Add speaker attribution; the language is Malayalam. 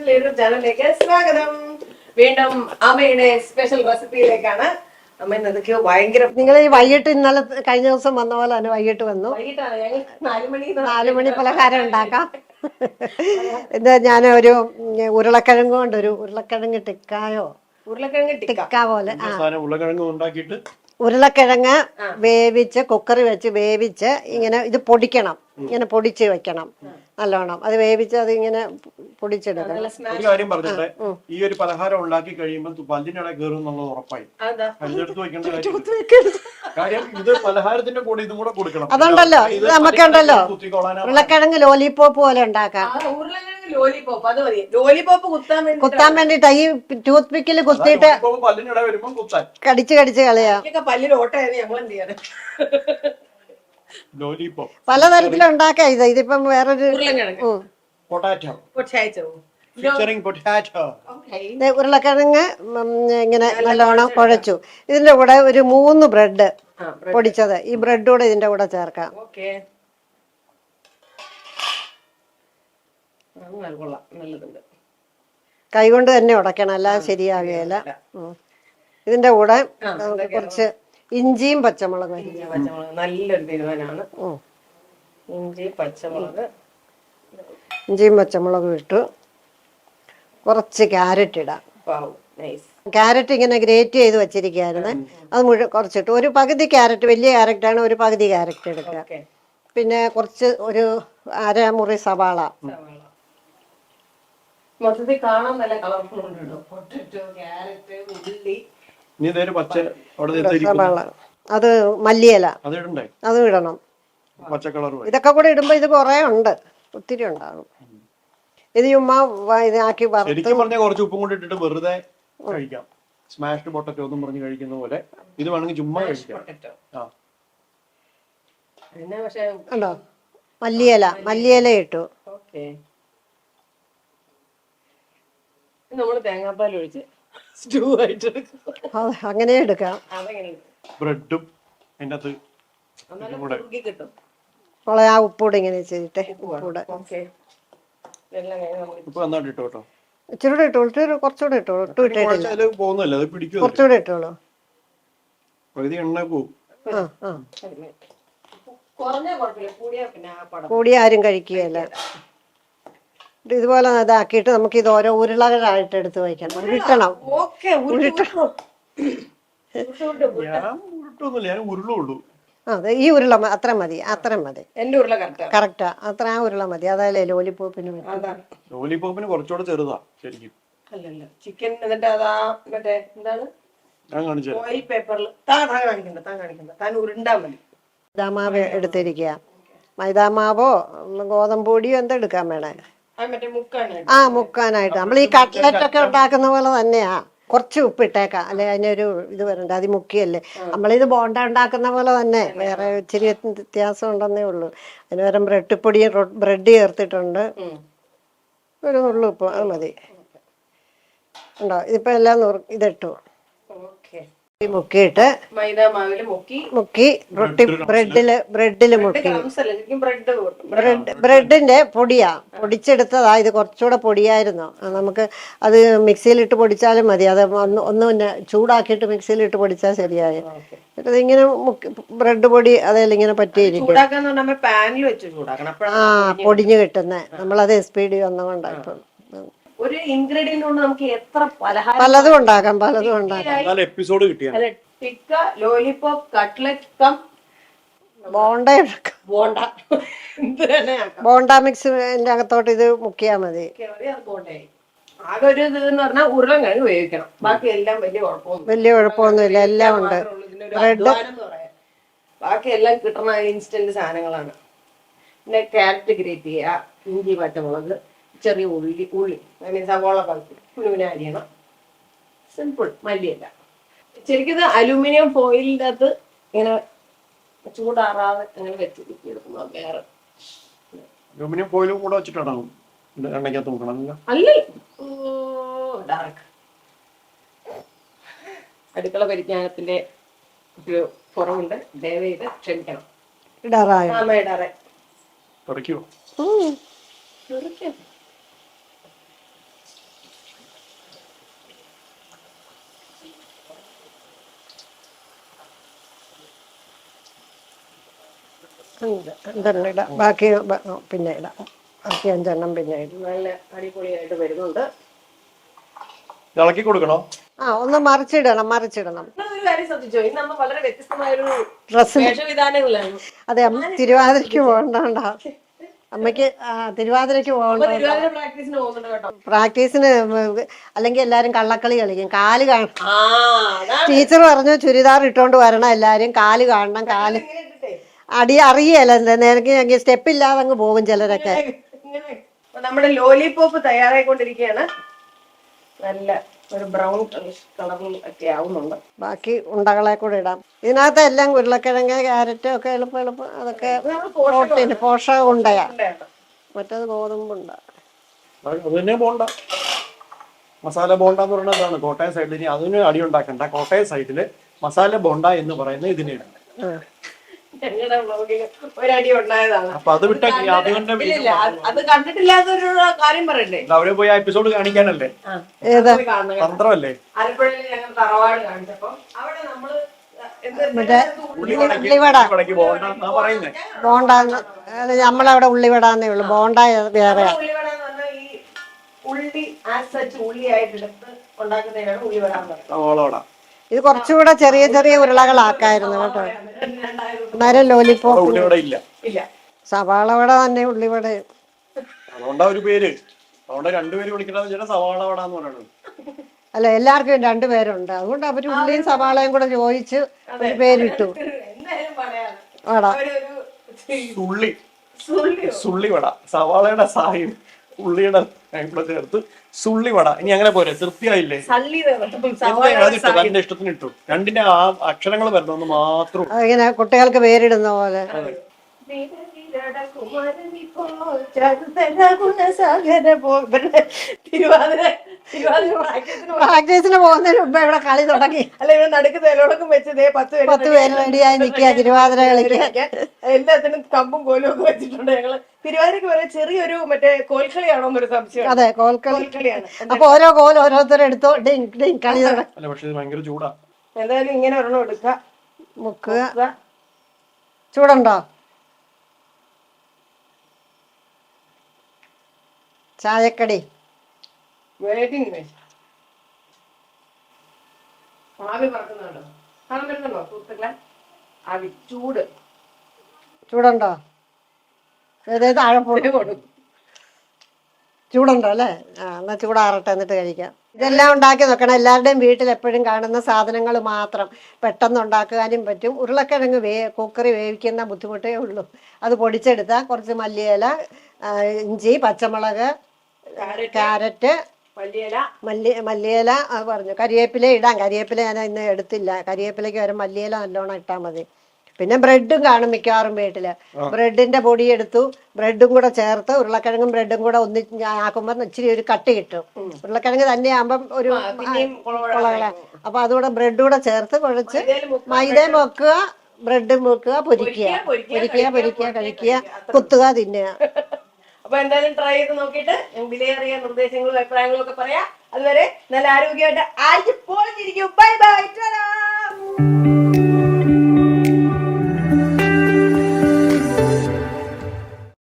Speaker 1: സ്പെഷ്യൽ യൂട്യൂബ് ചാനലിലേക്ക് സ്വാഗതം. വീണ്ടും അമ്മയുടെ സ്പെഷ്യൽ റെസിപ്പിയിലേക്കാണ്. അമ്മ എന്തൊക്കെയോ ഭയങ്കര
Speaker 2: നിങ്ങൾ ഈ വൈകിട്ട് ഇന്നലെ കഴിഞ്ഞ ദിവസം വന്ന പോലെ തന്നെ വൈകിട്ട് വന്നു.
Speaker 1: വൈകിട്ടാണ് ഞങ്ങൾ
Speaker 2: 4 മണി പലഹാരം ഉണ്ടാക്കാം. എന്താ ഞാൻ ഒരു ഉരുളക്കിഴങ്ങ് കൊണ്ട് ഒരു ഉരുളക്കിഴങ്ങ് ടിക്കായോ
Speaker 1: ഉരുളക്കിഴങ്ങ്
Speaker 2: ടിക്ക പോലെ
Speaker 3: ഉരുളക്കിഴങ്ങ് ഉണ്ടാക്കിയിട്ട്
Speaker 2: ഉരുളക്കിഴങ്ങ് വേവിച്ച് കുക്കറി വെച്ച് വേവിച്ച് ഇങ്ങനെ ഇത് പൊടിക്കണം, ഇങ്ങനെ പൊടിച്ച് വെക്കണം നല്ലോണം. അത് വേവിച്ച് അത് ഇങ്ങനെ പൊടിച്ചെടുക്കണം.
Speaker 3: ഒരു കാര്യം പറഞ്ഞിട്ട് ഈ ഒരു പലഹാരം ഉണ്ടാക്കി കഴിയുമ്പോൾ പല്ലിനിടെ കയറും എന്നുള്ളത് ഉറപ്പായി. പല്ലെടുത്ത് വെക്കേണ്ട കാര്യം ഇത് പലഹാരത്തിന്റെ കൂടെ ഇതും കൂടെ കൊടുക്കണം.
Speaker 2: അതുണ്ടല്ലോ, ഇത് നമുക്കുണ്ടല്ലോ ഉരുളക്കിഴങ്ങ് ലോലിപോപ്പ് പോലെ ഉണ്ടാക്കാം. കുത്താൻ വേണ്ടിട്ട് ഈ ടൂത്ത് പിക്കിൽ കുത്തിയിട്ട്
Speaker 3: പല്ലിനിടെ വരുമ്പോൾ കുത്താൻ
Speaker 2: കടിച്ച് കടിച്ച് കളയാം. പലതരത്തിലും ഉണ്ടാക്കാം. ഇതിപ്പം വേറൊരു ഉരുളക്കിഴങ്ങ് ഇങ്ങനെ നല്ലോണം കുഴച്ചു. ഇതിന്റെ കൂടെ ഒരു 3 ബ്രെഡ് പൊടിച്ചത്, ഈ ബ്രെഡ് കൂടെ ഇതിന്റെ കൂടെ ചേർക്കാം. കൈകൊണ്ട് തന്നെ ഉടക്കണം, അല്ലാതെ ശരിയാകുകയില്ല. ഇതിന്റെ കൂടെ കുറച്ച് ഇഞ്ചിയും പച്ചമുളകും.
Speaker 1: നല്ലൊരു തീരുമാനമാണ്.
Speaker 2: ഇഞ്ചിയും പച്ചമുളകും ഇട്ടു. കുറച്ച് ക്യാരറ്റ് ഇടാം. ക്യാരറ്റ് ഇങ്ങനെ ഗ്രേറ്റ് ചെയ്ത് വെച്ചിരിക്കുകയായിരുന്നു, അത് കുറച്ചിട്ട് ഒരു പകുതി ക്യാരറ്റ്, വലിയ ക്യാരറ്റാണ്, ഒരു പകുതി ക്യാരറ്റ് എടുക്കുക. പിന്നെ കുറച്ച് ഒരു അരമുറി സവാള.
Speaker 1: മൊത്തത്തിൽ കാണാൻ നല്ല കളർഫുൾ ഉണ്ട്. പൊട്ടറ്റോ, ക്യാരറ്റ്, ഉള്ളി,
Speaker 2: സവാള, അത് മല്ലിയില അതും ഇടണം. ഇതൊക്കെ കൂടെ ഇടുമ്പോ ഇത് കുറെ ഉണ്ട്, ഒത്തിരി ഉണ്ടാകും. ഇത് ചുമ്മാ ഇതാക്കി
Speaker 3: കുറച്ച് ഉപ്പും കൂടി ഇട്ടിട്ട് വെറുതെ കഴിക്കാം. സ്മാഷ്ഡ് പൊട്ടറ്റോ ഒന്നും പറഞ്ഞ് കഴിക്കുന്ന പോലെ ഇത് വേണമെങ്കിൽ ചുമ്മാ കഴിക്കാം.
Speaker 2: ഉണ്ടോ മല്ലിയില ഇട്ടു.
Speaker 1: നമ്മള് തേങ്ങാപ്പാൽ ഒഴിച്ച് സ്റ്റൂ ആയിട്ട്
Speaker 2: അങ്ങനെ എടുക്കാം.
Speaker 3: ബ്രെഡും
Speaker 2: ആ ഉപ്പൂടെ ഇങ്ങനെ ചെയ്തിട്ട് ഉപ്പൂടെ ഇച്ചിരൂടെ ഇട്ടോളൂ, കുറച്ചുകൂടെ ഇട്ടോളൂ. കുറച്ചുകൂടെ ഇട്ടോളൂ. കൂടിയ ആരും കഴിക്കുകയല്ല. ഇതുപോലെ ഇതാക്കിയിട്ട് നമുക്ക് ഇത് ഓരോ ഉരുളകളായിട്ട് എടുത്ത് വയ്ക്കണം. ഉരുട്ടണം. അതെ, ഈ ഉരുള അത്ര മതി.
Speaker 1: എന്റെ ഉരുള
Speaker 2: കറക്റ്റാ. അത്ര ആ ഉരുള മതി. അതല്ലേ ലോലിപോപ്പിന്.
Speaker 3: ലോലിപോപ്പിന് കുറച്ചുകൂടെ ചെറുതാ ശരിക്കും.
Speaker 1: അല്ലല്ല, ചിക്കൻ എന്നിട്ട് അതാ മറ്റേ എന്താണ് ഓയിൽ പേപ്പറിൽ താൻ ഉരുണ്ടാ മതി.
Speaker 2: മൈദാമാവ് എടുത്തിരിക്കുക. മൈദാമാവോ ഗോതമ്പൊടിയോ എന്തെടുക്കാൻ വേണേ. മുക്കാനായിട്ട് നമ്മൾ ഈ കട്ട്ലറ്റ് ഒക്കെ ഉണ്ടാക്കുന്ന പോലെ തന്നെയാ. കുറച്ച് ഉപ്പിട്ടേക്കാം, അല്ലെ അതിനൊരു ഇത് വരണ്ട. അത് മുക്കിയല്ലേ നമ്മളിത് ബോണ്ട ഉണ്ടാക്കുന്ന പോലെ തന്നെ, വേറെ ഇച്ചിരി വ്യത്യാസം ഉണ്ടെന്നേ ഉള്ളൂ. അതിന് പകരം ബ്രെഡ് ചേർത്തിട്ടുണ്ട്. ഒരു നുള്ളു ഉപ്പ്, അത് മതി. ഉണ്ടോ? ഇതിപ്പോ എല്ലാം ഇതിട്ടു മുക്കിയിട്ട് മുക്കി ബ്രെഡില് മുക്കി. ബ്രെഡിന്റെ പൊടിയാ പൊടിച്ചെടുത്തതാ. ഇത് കുറച്ചുകൂടെ പൊടിയായിരുന്നു. നമുക്ക് അത് മിക്സിയിലിട്ട് പൊടിച്ചാലും മതി. അത് ഒന്ന് ചൂടാക്കിയിട്ട് മിക്സിയിലിട്ട് പൊടിച്ചാൽ ശരിയായി. എന്നിട്ട് ഇങ്ങനെ ബ്രെഡ് പൊടി അതെല്ലാം ഇങ്ങനെ പറ്റിയിരിക്കും. പൊടിഞ്ഞു കിട്ടുന്നേ. നമ്മളത് SPD വന്നുകൊണ്ടാ. ഇപ്പം
Speaker 1: ഒരു ഇൻഗ്രീഡിയന്റ് കൊണ്ട് നമുക്ക് എത്ര
Speaker 2: പലതും ഉണ്ടാക്കാം.
Speaker 3: എപ്പിസോഡ് കിട്ടിയാ
Speaker 1: ടിക്ക, ലോലിപോപ്പ്, കട്ട്ലറ്റ്,
Speaker 2: ബോണ്ട മിക്സിന്റെ അകത്തോട്ട് ഇത് മുക്കിയാ മതി.
Speaker 1: ആകെ ഒരു ഇതെന്ന് പറഞ്ഞാൽ ഉരുളക്കിഴങ്ങ് വേവിക്കണം. ബാക്കി എല്ലാം
Speaker 2: വലിയ കുഴപ്പമൊന്നുമില്ല. എല്ലാം ഉണ്ട്.
Speaker 1: ബാക്കി എല്ലാം കിട്ടുന്ന ഇൻസ്റ്റന്റ് സാധനങ്ങളാണ്. പിന്നെ ക്യാരറ്റ് ഗ്രേറ്റ് ചെയ്യുക, ഇഞ്ചി പച്ചമുളക്, ചെറിയ ഉള്ളി അങ്ങനെ സവാള കുനുവിനെ അരിയണം. സിമ്പിൾ. മല്ലിയല്ല. ശരിക്കും ഇത് അലൂമിനിയം ഫോയിലിൻ്റെ അകത്ത് ഇങ്ങനെ ചൂടാറാതെ അങ്ങനെ വെച്ചെടുക്കുന്നത്. വേറെ
Speaker 3: അലൂമിനിയം ഫോയിലും കൂടെ വെച്ചിട്ടാണോ എണ്ണയ്ക്കകത്ത് നോക്കണം?
Speaker 1: അല്ലേ, ഡാർക്ക് അടുക്കള പരിജ്ഞാനത്തിന്റെ ഒരു കുറവുണ്ട്. ദയവേത് ക്ഷമിക്കണം.
Speaker 2: ഇതെല്ലാം ഇടാം, ബാക്കി പിന്നെ ഇടാം, ബാക്കി 5 പിന്നെ ഇടാം.
Speaker 1: നല്ല അടിപൊളിയായിട്ട് വരുന്നുണ്ട്.
Speaker 3: ഇളക്കി കൊടുക്കണോ?
Speaker 2: ഒന്ന് മറിച്ചിടണം.
Speaker 1: ഒരു കാര്യം ശ്രദ്ധിച്ചോ, ഇന്ന് നമ്മൾ വളരെ വ്യത്യസ്തമായൊരു
Speaker 2: ഡ്രസ്സ്
Speaker 1: വേഷവിധാനങ്ങളാണ്.
Speaker 2: അതെ, തിരുവാതിരയ്ക്ക് പോകണ്ട അമ്മയ്ക്ക്, തിരുവാതിരയ്ക്ക് പോകണ്ട.
Speaker 1: തിരുവാതിര പ്രാക്ടീസിന് പോകുന്നുണ്ട് കേട്ടോ.
Speaker 2: പ്രാക്ടീസിന് അല്ലെങ്കിൽ എല്ലാരും കള്ളക്കളി കളിക്കും. കാല് കാണും.
Speaker 1: അതാണ്
Speaker 2: ടീച്ചർ പറഞ്ഞു ചുരിദാർ ഇട്ടോണ്ട് വരണം, എല്ലാരും കാല് കാണണം. കാല്
Speaker 1: ഇങ്ങനെ ഇട്ടിട്ടേ
Speaker 2: അറിയല്ല, നിനക്ക് സ്റ്റെപ്പ് ഇല്ലാതെ അങ്ങ് പോകും ചിലരൊക്കെ.
Speaker 1: ഇങ്ങനെ. അപ്പൊ നമ്മുടെ ലോലിപോപ്പ് തയ്യാറായിക്കൊണ്ടിരിക്കുകയാണ്. നല്ല ഒരു ബ്രൗൺ കളറിൽ ഒക്കെ ആവുന്നുണ്ട്.
Speaker 2: ബാക്കി ഉണ്ടകളെ കൂടെ ഇടാം. ഇതിനകത്ത് എല്ലാം ഉരുളക്കിഴങ്ങ്, ക്യാരറ്റ് ഒക്കെ എളുപ്പം അതൊക്കെ പ്രോട്ടീൻ, പോഷകം ഉണ്ടയാ. മറ്റേത് ഗോതമ്പുണ്ട.
Speaker 3: അത് തന്നെ ബോണ്ട, മസാല ബോണ്ട എന്ന് പറയുന്നത് അതാണ് കോട്ടയം സൈഡിൽ. ഇനി അതിന് അടി ഉണ്ടാക്കണ്ട. കോട്ടയം സൈഡില് മസാല ബോണ്ട എന്ന് പറയുന്നത് ഇതിനെയാണ്.
Speaker 1: ഞങ്ങളുടെ വ്ളോഗിൽ ഒരടി ഉണ്ടായതാണ്.
Speaker 3: അപ്പൊ അത് വിട്ട
Speaker 1: ഇല്ല, അത് കണ്ടിട്ടില്ലാത്തൊരു കാര്യം പറയണ്ടേ.
Speaker 3: അവരെ പോയി ആ എപ്പിസോഡ് കാണിക്കാനല്ലേ, തന്ത്രമല്ലേ.
Speaker 1: ആലപ്പുഴയിൽ ഞങ്ങൾ തറവാട് കാണിച്ചപ്പോ അവിടെ നമ്മള്
Speaker 2: ബോണ്ട നമ്മളവിടെ ഉള്ളിവടാന്നേ ഉള്ളു. ബോണ്ട വേറെ.
Speaker 1: ഉള്ളിവടാന്ന് പറഞ്ഞാൽ ഈ ഉള്ളി ഉള്ളിയായിട്ട് എടുത്ത് ഉണ്ടാക്കുന്നതിനാണ് ഉള്ളിവടാന്ന് പറയുന്നത്.
Speaker 2: ഇത് കുറച്ചുകൂടെ ചെറിയ ചെറിയ ഉരുളകളാക്കായിരുന്നു കേട്ടോ. അന്നേരം ലോലിപോപ്പ്
Speaker 1: ഇല്ല,
Speaker 2: സവാള വട തന്നെ ഉള്ളിവട.
Speaker 3: അതുകൊണ്ടാ ഒരു പേര്, അതുകൊണ്ട് രണ്ടുപേര് വിളിക്കണമെന്ന് സവാള വട എന്ന് പറയുന്നത്.
Speaker 2: അല്ല, എല്ലാവർക്കും 2 പേരുണ്ട്. അതുകൊണ്ട് അവര് ഉള്ളിയും സവാളയും കൂടെ ചോദിച്ച് ഒരു പേരിട്ടു. വട,
Speaker 3: സുള്ളി വട, സവാളയുടെ സായും ഉള്ളിയുടെ കൂടെ ചേർത്ത് സുള്ളി വട. ഇനി അങ്ങനെ പോരെ, തൃപ്തിയായില്ലേ? തന്റെ ഇഷ്ടത്തിന് ഇട്ടു. രണ്ടിന്റെ ആ അക്ഷരങ്ങൾ വരണമെന്ന് മാത്രം.
Speaker 2: അതിങ്ങനെ കുട്ടികൾക്ക് പേരിടുന്ന പോലെ. പ്രാക്ടീസിന് പോകുന്നതിന് മുമ്പ് ഇവിടെ കളി തുടങ്ങി.
Speaker 1: അല്ല, ഇവിടെ നടുക്ക് തേലോടൊക്കെ വെച്ച് 10
Speaker 2: പേര് റെഡിയായി നിൽക്കുക തിരുവാതിര കളിക്കാൻ.
Speaker 1: എല്ലാത്തിനും കമ്പും കോലും ഒക്കെ വെച്ചിട്ടുണ്ട്. ഞങ്ങള് തിരുവാതിരക്ക് വരെ ചെറിയൊരു മറ്റേ കോൽക്കളിയാണോ എന്നൊരു സംശയം.
Speaker 2: അതെ, കോൽക്കളിയാണ്. അപ്പൊ ഓരോ കോൽ ഓരോരുത്തരെടുത്തോ കളി
Speaker 3: ഭയങ്കര ചൂടാ.
Speaker 1: എന്തായാലും ഇങ്ങനെ ഒരെണ്ണം എടുക്കുക,
Speaker 2: മുക്കുക. ചൂടുണ്ടോ? ചായക്കടി
Speaker 1: ആവി പറക്കുന്നുണ്ടോ? കാണാൻ പറ്റുന്നുണ്ടോ സുഹൃത്തുക്കളെ? ആവി
Speaker 2: ചൂടുണ്ടോ? ചൂടുണ്ടോ അല്ലേ? എന്നാ ചൂടാറട്ടെ, എന്നിട്ട് കഴിക്കാം. ഇതെല്ലാം ഉണ്ടാക്കി നോക്കണം. എല്ലാവരുടെയും വീട്ടിൽ എപ്പോഴും കാണുന്ന സാധനങ്ങൾ മാത്രം പെട്ടെന്ന് ഉണ്ടാക്കാനും പറ്റും. ഉരുളക്കിഴങ്ങ് കുക്കറി വേവിക്കുന്ന ബുദ്ധിമുട്ടേ ഉള്ളൂ. അത് പൊടിച്ചെടുത്താൽ കുറച്ച് മല്ലിയില, ഇഞ്ചി, പച്ചമുളക്, ക്യാരറ്റ്, മല്ലിയില പറഞ്ഞു. കരിവേപ്പില ഇടാം. കരിവേപ്പില ഞാൻ ഇന്ന് എടുത്തില്ല. കരിവേപ്പിലയ്ക്ക് വരെ മല്ലിയില നല്ലോണം ഇട്ടാൽ മതി. പിന്നെ ബ്രെഡും കാണും മിക്കവാറും വീട്ടില്. ബ്രെഡിന്റെ പൊടി എടുത്തു, ബ്രെഡും കൂടെ ചേർത്ത് ഉരുളക്കിഴങ്ങും ബ്രെഡും കൂടെ ആക്കുമ്പോൾ ഇച്ചിരി ഒരു കട്ടി കിട്ടും. ഉരുളക്കിഴങ്ങ് തന്നെ ആകുമ്പം ഒരു അപ്പൊ അതുകൂടെ ബ്രെഡ് കൂടെ ചേർത്ത് കുഴച്ച് മൈദയും വെക്കുക, ബ്രെഡും വെക്കുക, പൊരിക്കുക, കഴിക്കുക, കുത്തുക, തിന്നുക.
Speaker 1: അപ്പൊ എന്തായാലും ട്രൈ ചെയ്ത് നോക്കിയിട്ട് വിലയേറിയ നിർദ്ദേശങ്ങളും അഭിപ്രായങ്ങളും ഒക്കെ പറയാം. അതുവരെ നല്ല ആരോഗ്യമായിട്ട് ആഴ്ച പോളിച്ചിരിക്കും. Bye bye.